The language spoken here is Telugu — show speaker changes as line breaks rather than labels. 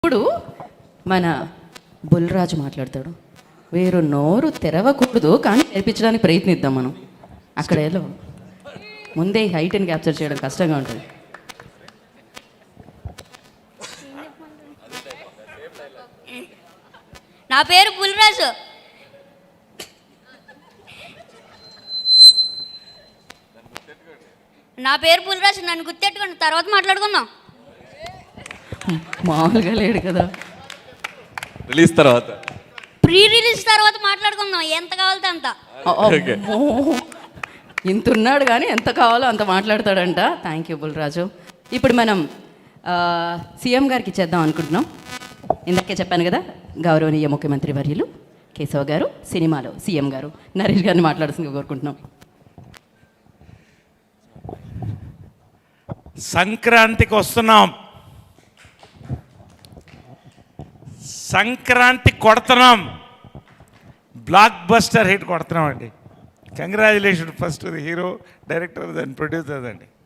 ఇప్పుడు మన బుల్రాజు మాట్లాడతాడు. వీరు నోరు తెరవకూడదు కానీ నేర్పించడానికి ప్రయత్నిద్దాం మనం. అక్కడ ఏదో ముందే హైట్ని క్యాప్చర్ చేయడం కష్టంగా ఉంటుంది.
నా పేరు బుల్రాజు. నన్ను గుర్తెట్టుకోండి, తర్వాత మాట్లాడుకుందాం.
మామూలుగా లేడు కదా.
రిలీజ్ తర్వాత,
ప్రీ రిలీజ్ తర్వాత మాట్లాడుకుందాం, ఎంత కావాలితే అంత.
ఇంత ఉన్నాడు కానీ ఎంత కావాలో అంత మాట్లాడతాడంట. Thank you Bulraju. ఇప్పుడు మనం సీఎం గారికి ఇచ్చేద్దాం అనుకుంటున్నాం. ఇందాకే చెప్పాను కదా, గౌరవనీయ ముఖ్యమంత్రి వర్యులు కేశవ్ గారు సినిమాలో సీఎం గారు నరేష్ గారిని మాట్లాడుతుందిగా కోరుకుంటున్నాం.
సంక్రాంతికి వస్తున్నాం, సంక్రాంతి కొడుతున్నాం, బ్లాక్ బస్టర్ హిట్ కొడుతున్నాం అండి. Congratulation first the hero, director, దాని ప్రొడ్యూసర్ అండి.